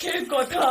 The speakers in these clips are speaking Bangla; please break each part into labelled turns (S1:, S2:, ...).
S1: দুঃখের কথা।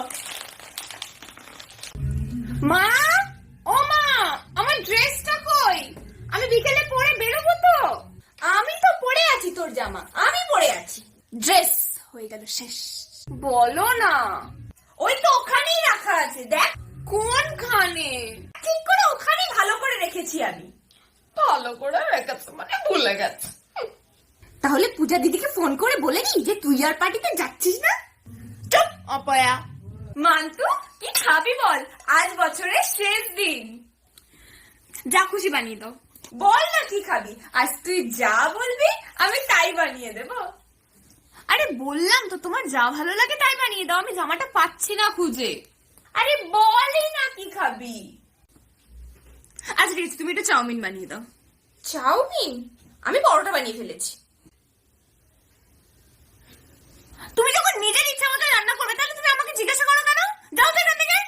S2: মা, ও মা, আমার ড্রেসটা কই? আমি বিকেলে পরে বেরোবো তো।
S1: আমি তো পরে আছি, তোর জামা আমি পরে আছি।
S2: ড্রেস হয়ে গেল শেষ। বলো না।
S1: ওই তো ওখানেই রাখা আছে, দেখ।
S2: কোনখানে?
S1: ঠিক করে ওখানেই ভালো করে রেখেছি আমি।
S2: ভালো করে রেখেছে মানে ভুলে গেছে। তাহলে পূজা দিদিকে ফোন করে বলে নি যে তুই আর পার্টিতে যাচ্ছিস না।
S1: চুপ
S2: অপয়া।
S1: মান্তু, কি খাবি বল? আজ বছরের শেষ দিন।
S2: যা খুশি বানিয়ে দাও।
S1: বল না কি খাবি? আজ তুই যা বলবি আমি তাই বানিয়ে দেবো।
S2: আরে বললাম তো তোমার যা ভালো লাগে তাই বানিয়ে দাও। আমি জামাটা পাচ্ছি না খুঁজে।
S1: আরে বলই না কি খাবি।
S2: আচ্ছা ঠিক আছে, তুমি একটু চাউমিন বানিয়ে দাও।
S1: চাউমিন? আমি পরোটা বানিয়ে ফেলেছি।
S2: তুমি যখন নিজের ইচ্ছা মতো রান্না করবে তাহলে তুমি আমাকে জিজ্ঞাসা করো কেন? যাও তো এখান থেকে।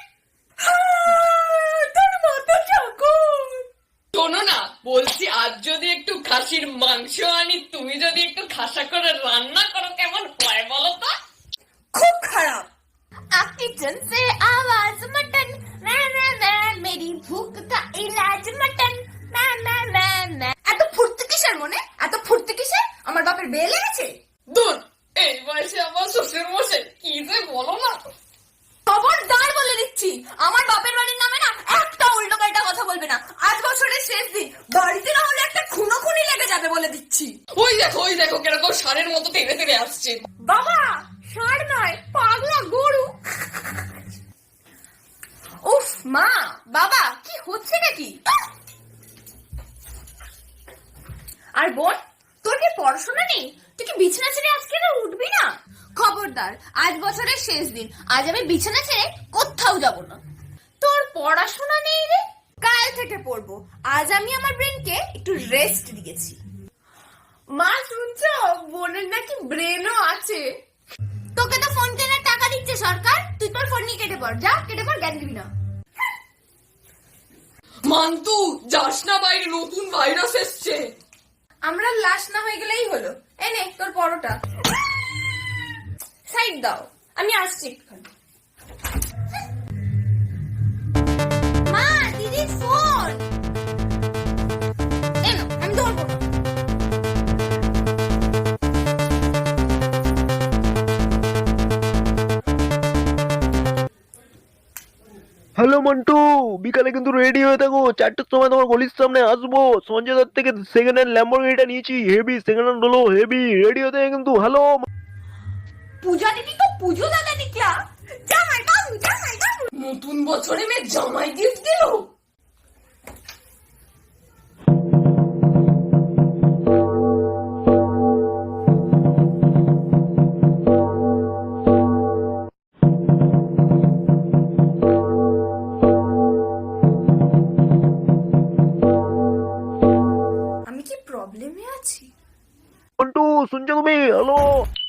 S1: তোর মাথা ঠাকুর।
S3: শোনো না, বলছি আজ যদি একটু খাসির মাংস আনি, তুমি যদি একটু খাসা করে রান্না করো, কেমন হয় বলো তো?
S1: খুব খারাপ।
S2: किचन से आवाज मटन मैं मेरी भूख का इलाज मटन मैं।
S1: এত ফুর্তি কিসের মনে? এত ফুর্তি কিসের? আমার বাপের বিয়ে লেগেছে?
S3: দূর, এই বয়সে আমার শ্বশুর মশাই কি যে বলো না।
S1: খবরদার বলে দিচ্ছি, আমার বাপের বাড়ির নামে না একটা উল্টো পাল্টা কথা বলবে না। আজ বছরের শেষ দিন, বাড়িতে না হলে একটা খুনোখুনি লেগে যাবে বলে দিচ্ছি।
S3: ওই দেখো কিরকম ষাঁড়ের মতো টেনে টেনে আসছে।
S1: বাবা, ষাঁড় নয়, পাগলা গরু। উফ মা, বাবা, কি হচ্ছে নাকি? আর বোন, তোর কি পড়াশোনা নেই? তুই কি বিছানা ছেড়ে আজকে না উঠবি না?
S2: খবরদার, আজ বছরের শেষ দিন, আজ আমি বিছানা ছেড়ে কোথাও যাব না।
S1: তোর পড়াশোনা নেই রে? কাল থেকে পড়বো। আজ আমি আমার ব্রেনকে একটু রেস্ট দিয়েছি। মা শুনছো, বোনের নাকি ব্রেনও আছে।
S2: তোকে তো ফোন কেনার টাকা দিচ্ছে সরকার, তুই তোর ফোন নিয়ে কেটে পড়। যা কেটে পড়, জ্ঞান দিবি না।
S3: মান্তু, যাস না বাইরে, নতুন ভাইরাস এসছে।
S1: আমরা লাশ না হয়ে গেলেই হলো। এনে তোর পরোটা সাইড দাও, আমি আসছি একটুখানি।
S2: মা, দিদির ফোন।
S1: এনো, আমি ধরবো না।
S4: হ্যালো মন্টু, বিকালে কিন্তু রেডি হয়ে থাকো। 4টের সময় তোমার গলির সামনে আসবো। সঞ্জয় দত্ত থেকে সেকেন্ড হ্যান্ড ল্যাম্বরগিনিটা নিয়েছি, হেভি সেকেন্ড হ্যান্ড হলো, হেভি। রেডি হতে হবে কিন্তু। হ্যালো
S1: পূজা দিদি তো পুজো দাদা দিকলা। জামাই বাবু, জামাই বাবু।
S3: নতুন বছরে মেয়ে জামাই গিফট দিল।
S1: আমি কি প্রবলেমে আছি?
S4: মন্টু, শুনছো তুমি? হ্যালো।